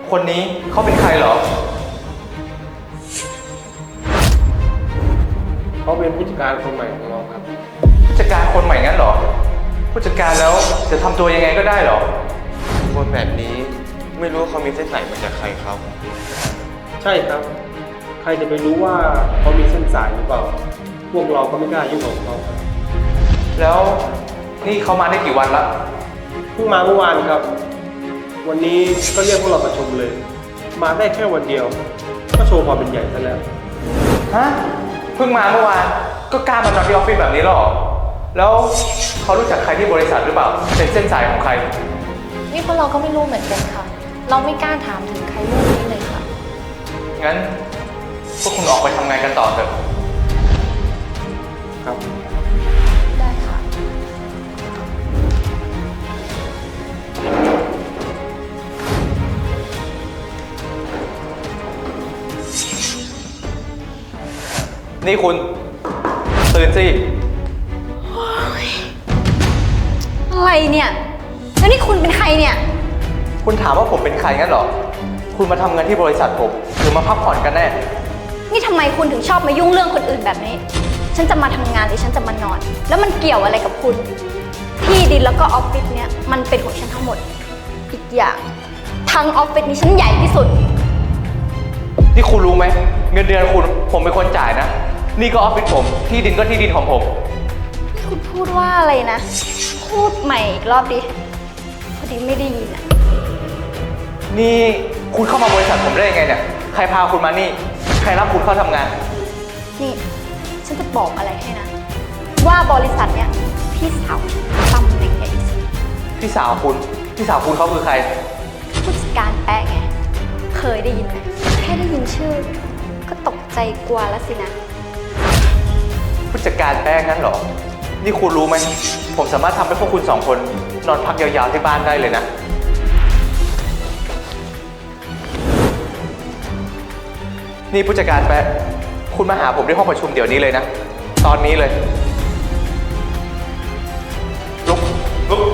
คนนี้เขาเป็นใครเหรอเขาเป็นผู้จัดการคนใหม่ของเราครับผู้จัดการคนใหม่งั้นเหรอ ผู้จัดการแล้วจะทำตัวยังไงก็ได้เหรอคนแบบนี้ไม่รู้เขามีเส้นสายมาจากใครครับใช่ครับ ใครจะไปรู้ว่าเขามีเส้นสายหรือเปล่า พวกเราก็ไม่กล้ายุ่งกับเขาครับแล้วนี่เขามาได้กี่วันละเพิ่งมาเมื่อวานครับ วันนี้ก็เรียกพวกเราประชุมเลย มาได้แค่วันเดียว ก็โชว์ความเป็นใหญ่ซะแล้วฮะ เพิ่งมาเมื่อวาน ก็กล้ามานอนที่ออฟฟิศแบบนี้หรอ แล้วเขารู้จักใครที่บริษัทหรือเปล่า เป็นเส้นสายของใครนี่พวกเราก็ไม่รู้เหมือนกันค่ะ เราไม่กล้าถามถึงใครเรื่องนี้เลยค่ะงั้นพวกคุณออกไปทำงานกันต่อเถอะครับได้ค่ะนี่คุณ ตื่นสิอะไรเนี่ย แล้วนี่คุณเป็นใครเนี่ยคุณถามว่าผมเป็นใครงั้นเหรอ คุณมาทำงานที่บริษัทผมหรือมาพักผ่อนกันแน่นี่ทำไมคุณถึงชอบมายุ่งเรื่องคนอื่นแบบนี้ ฉันจะมาทำงานหรือฉันจะมานอน แล้วมันเกี่ยวอะไรกับคุณ ที่ดินแล้วก็ออฟฟิศเนี่ยมันเป็นของฉันทั้งหมด อีกอย่างทั้งออฟฟิศนี้ฉันใหญ่ที่สุดนี่คุณรู้ไหม เงินเดือนคุณผมเป็นคนจ่ายนะ นี่ก็ออฟฟิศผม ที่ดินก็ที่ดินของผมคุณพูดว่าอะไรนะ พูดใหม่อีกรอบดิ พอดีไม่ได้ยินอะนี่คุณเข้ามาบริษัทผมได้ยังไงเนี่ย ใครพาคุณมานี่ ใครรับคุณเข้าทำงานนี่ ฉันจะบอกอะไรให้นะ ว่าบริษัทเนี่ยพี่สาวตำแหน่งใหญ่ที่สุดพี่สาวคุณ พี่สาวคุณเขาคือใครผู้จัดการแป๊ะไง เคยได้ยินไหมแค่ได้ยินชื่อ ก็ตกใจกลัวแล้วสินะผู้จัดการแป้งงั้นเหรอ นี่คุณรู้ไหม ผมสามารถทำให้พวกคุณสองคนนอนพักยาวๆที่บ้านได้เลยนะ นี่ผู้จัดการแป๊ะคุณมาหาผมที่ห้องประชุมเดี๋ยวนี้เลยนะ ตอนนี้เลย ลุก ลุก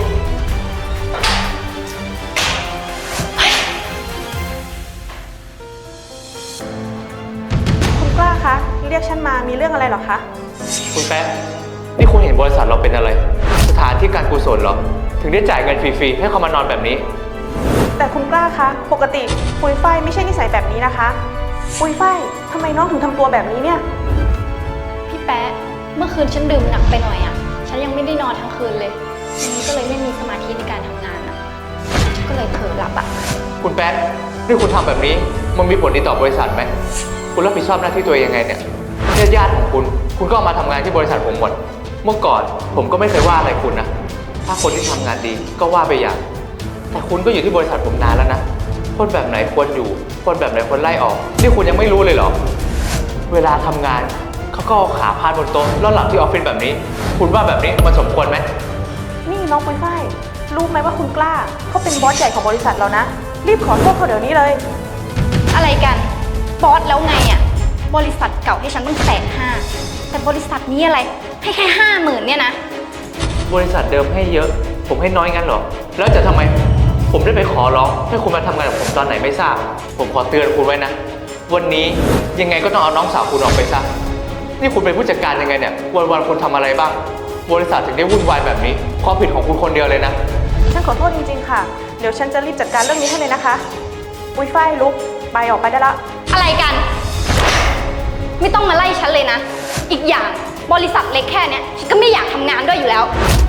คุณกล้าคะ เรียกฉันมามีเรื่องอะไรเหรอคะคุณแป๊ะนี่คุณเห็นบริษัทเราเป็นอะไร สถานที่การกุศลเหรอ ถึงได้จ่ายเงินฟรีๆให้เขามานอนแบบนี้แต่คุณกล้าคะ ปกติปุยฝ้ายไม่ใช่นิสัยแบบนี้นะคะ ปุยฝ้ายทำไมน้องถึงทำตัวแบบนี้เนี่ยพี่แป๊ะ เมื่อคืนฉันดื่มหนักไปหน่อยอะฉันยังไม่ได้นอนทั้งคืนเลยวันนี้ก็เลยไม่มีสมาธิในการทำงานอะก็เลยเผลอหลับอะคุณแป๊ะนี่คุณทำแบบนี้มันมีผลดีต่อบริษัทไหม คุณรับผิดชอบหน้าที่ตัวเองยังไงเนี่ยญาติของคุณก็เอามาทำงานที่บริษัทผมหมด เมื่อก่อนผมก็ไม่เคยว่าอะไรคุณนะ ถ้าคนที่ทำงานดีก็ว่าไปอย่าง แต่คุณก็อยู่ที่บริษัทผมนานแล้วนะ คนแบบไหนควรอยู่ คนแบบไหนควรไล่ออก นี่คุณยังไม่รู้เลยเหรอ เวลาทำงานเขาก็เอาขาพาดบนโต๊ะแล้วหลับที่ออฟฟิศแบบนี้ คุณว่าแบบนี้มันสมควรไหมนี่น้องปุยฝ้ายรู้ไหมว่าคุณกล้าเขาเป็นบอสใหญ่ของบริษัทเรานะ รีบขอโทษเขาเดี๋ยวนี้เลยอะไรกัน บอสแล้วไงอะบริษัทเก่าให้ฉันตั้ง150,000แต่บริษัทนี้อะไร ให้แค่50,000เนี่ยนะบริษัทเดิมให้เยอะ ผมให้น้อยงั้นเหรอ แล้วจะทำไม ผมได้ไปขอร้องให้คุณมาทำงานกับผมตอนไหนไม่ทราบ ผมขอเตือนคุณไว้นะ วันนี้ยังไงก็ต้องเอาน้องสาวคุณออกไปซะ นี่คุณเป็นผู้จัดการยังไงเนี่ย วันๆคุณทำอะไรบ้าง บริษัทถึงได้วุ่นวายแบบนี้ความผิดของคุณคนเดียวเลยนะฉันขอโทษจริงๆค่ะ เดี๋ยวฉันจะรีบจัดการเรื่องนี้ให้เลยนะคะ ปุยฝ้ายลุกไปออกไปได้ละอะไรกัน ไม่ต้องมาไล่ฉันเลยนะ อีกอย่างบริษัทเล็กแค่เนี้ยฉันก็ไม่อยากทำงานด้วยอยู่แล้ว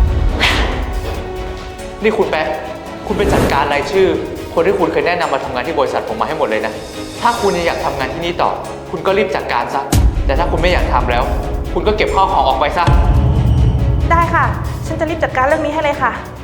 นี่คุณแป๊ะคุณไปจัดการรายชื่อ คนที่คุณเคยแนะนำมาทำงานที่บริษัทผมมาให้หมดเลยนะ ถ้าคุณยังอยากทำงานที่นี่ต่อ คุณก็รีบจัดการซะ แต่ถ้าคุณไม่อยากทำแล้ว คุณก็เก็บข้าวของออกไปซะได้ค่ะ ฉันจะรีบจัดการเรื่องนี้ให้เลยค่ะ